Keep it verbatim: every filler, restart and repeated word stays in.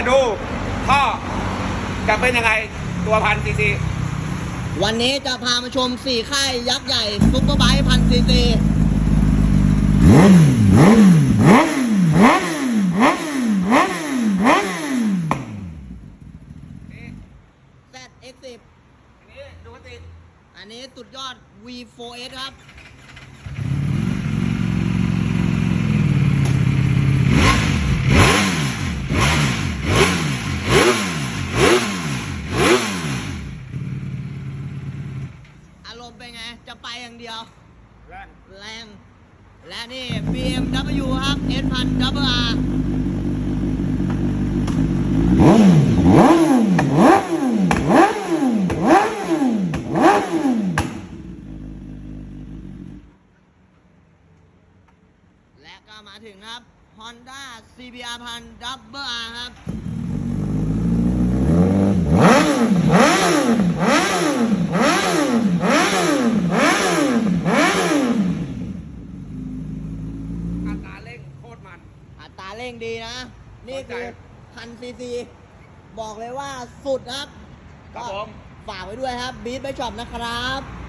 ดูท่อจะเป็นยังไงตัวพันซีซีวันนี้จะพามาชมสี่ค่ายยักษ์ใหญ่ซุปเปอร์ไบค์พันซีซี แซด เอ็กซ์ สิบอันนี้ดูติดอันนี้สุดยอด วี โฟร์ เอส ครับ อารมณ์เป็นไง จะไปอย่างเดียวแรงแรง และนี่ บี เอ็ม ดับเบิลยู ครับ เอส พัน ดับเบิล อาร์ และก็มาถึงครับ Honda ซี บี อาร์ พัน ดับเบิล อาร์ ครับอัตราเร่งโคตรมันอัตราเร่งดีนะ นี่คือเข้าใจพันซีซี บอกเลยว่าสุดครับครับผมฝากไว้ด้วยครับบีทไปช็อปนะครับ